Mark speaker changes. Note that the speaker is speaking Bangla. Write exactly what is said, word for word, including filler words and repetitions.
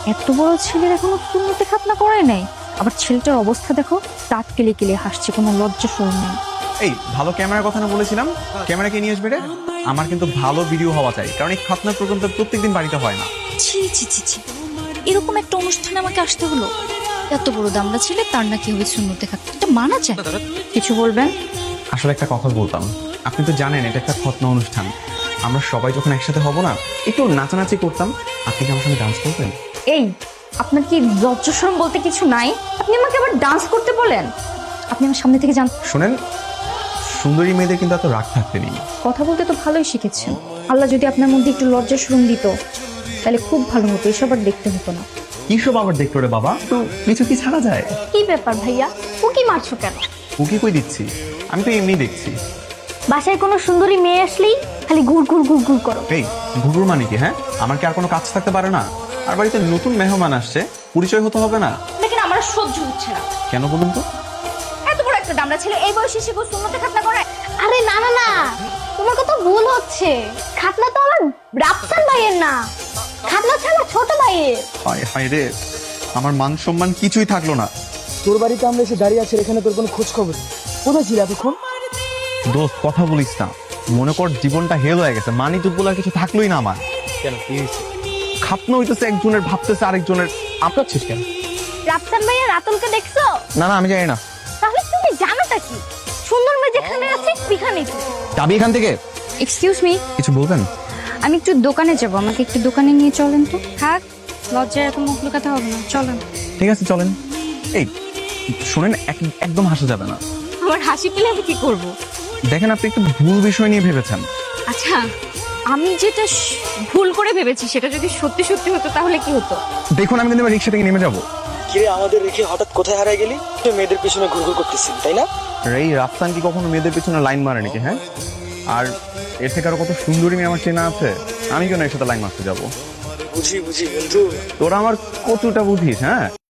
Speaker 1: এত বড় ছেলের এখনো সুন্নতে খাতনা করায় নাই, আবার ছেলেটার অবস্থা দেখো, দাঁত কেলে কেলে হাসছে, কোনো লজ্জা শরম নেই।
Speaker 2: এই ভালো ক্যামেরার কথা না বলেছিলাম, ক্যামেরা কে নিয়ে আসবে রে? আমার কিন্তু ভালো ভিডিও হওয়া চাই, কারণ এই খাতনার প্রোগ্রাম তো প্রত্যেকদিন বাড়িতে হয় না।
Speaker 1: ছি ছি ছি ছি, এরকম একটা অনুষ্ঠানে আমাকে আসতে হলো? এত বড় দামড়া ছেলে, তার নাকি হবে সুন্নতে খাতনা, এটা মানা যায়? কিছু বলবেন?
Speaker 2: আসলে একটা কথা বলতাম, আপনি তো জানেন এটা একটা খতনা অনুষ্ঠান, আমরা সবাই যখন একসাথে হব না, একটু নাচানাচি করতাম, আপনি কি আমার সঙ্গে ডান্স করবেন?
Speaker 1: এই, আপনার কি লজ্জা শরম বলতে কিছু নাই? আপনি আমাকে আবার ডান্স করতে বলেন? আপনি আমার সামনে থেকে যান।
Speaker 2: শোনেন, সুন্দরী মেয়েদের কিন্তু এত রাগ থাকতে নেই।
Speaker 1: কথা বলতে তো ভালোই শিখেছেন, আল্লাহ যদি আপনার মধ্যে একটু লজ্জা শরম দিত তাহলে খুব ভালো হতো, এসব আর দেখতে হতো না।
Speaker 2: কি সব আবার দেখলো রে বাবা, তো কিছু কি ছাড়া যায়?
Speaker 1: কি ব্যাপার ভাইয়া, উকি মারছো কেন?
Speaker 2: উকি কই দিচ্ছি, আমি তো এমনি দেখছি।
Speaker 1: বাসায় কোনো সুন্দরী মেয়ে আসলেই খালি ঘুর ঘুর ঘুর ঘুর করো।
Speaker 2: এই ঘুঘুর মানে কি? হ্যাঁ, আমার কি আর কোনো কাজ থাকতে পারে না? আর বাড়িতে নতুন মেহমান আসছে, পরিচয় হতে হবে না?
Speaker 1: দেখেন আমার আর সহ্য হচ্ছে না।
Speaker 2: কেন বলুন তো?
Speaker 1: এত বড় একটা দামড়া ছেলে এই বয়সে সে সুন্নতে খাতনা করে?
Speaker 3: আরে না না না, তোমার কথা ভুল হচ্ছে। খাতনা তো আমার রাফসান ভাইয়ের না, খাতনা হচ্ছে আমার ছোট ভাইয়ের।
Speaker 2: হায় হায় রে, আমার মান সম্মান কিছুই থাকলো না।
Speaker 4: তোর বাড়িতে আমরা এসে দাঁড়িয়ে আছি, এখানে তোর কোনো খোঁজ খবর নেই। কোথায় ছিল এতক্ষণ?
Speaker 2: দোস্ত কথা বলিস না, মনে কর জীবনটা হেল হয়ে গেছে, মানি টুক বলার কিছু থাকলোই না আমার।
Speaker 4: কেন, কি হয়েছে?
Speaker 2: খাতনা হইতেছে একজনের, ভাবতেছে আরেকজনের।
Speaker 4: আপনাচ্ছিস কেন?
Speaker 3: রাফসান ভাইয়া রাতুলকে দেখছো?
Speaker 2: না না, আমি জানি না।
Speaker 3: তাহলে তুমি জানোটা কি? সুন্দর মেয়ে যেখানে আছে সেখানেই তুমি।
Speaker 2: যাবি এখান থেকে?
Speaker 1: এক্সকিউজ মি,
Speaker 2: কিছু বলবেন?
Speaker 1: আমি একটু দোকানে যাব, আমাকে একটু দোকানে নিয়ে চলেন তো। থাক, লজ্জায় এত মুখ লুকাতে হবে না, চলেন।
Speaker 2: ঠিক আছে চলেন। এই শুনেন, এক- একদম হাসা যাবে না।
Speaker 1: আমার হাসি পেলে আমি কি করব?
Speaker 2: দেখেন, আপনি একটু ভুল বিষয় নিয়ে ভেবেছেন।
Speaker 1: আচ্ছা, আমি যেটা স- ভুল করে ভেবেছি সেটা যদি সত্যি সত্যি হতো তাহলে কি হতো?
Speaker 2: দেখুন, আমি কিন্তু এবার রিক্সা থেকে নেমে যাবো।
Speaker 4: কিরে, আমাদের রেখে হঠাৎ কোথায় হারিয়ে গেলি? তুই মেয়েদের পিছনে ঘুরঘুর করতেছিস, তাই না?
Speaker 2: আর এই রাফসান কি কখনো মেয়েদের পিছনে লাইন মারে নাকি? হ্যাঁ, আর এর থেকে আরো কত সুন্দরী মেয়ে আমার চেনা আছে, আমি কেন এর সাথে লাইন মারতে যাবো?
Speaker 4: বুঝি বুঝি বন্ধু।
Speaker 2: তোরা আমার কতটা বুঝিস? হ্যাঁ।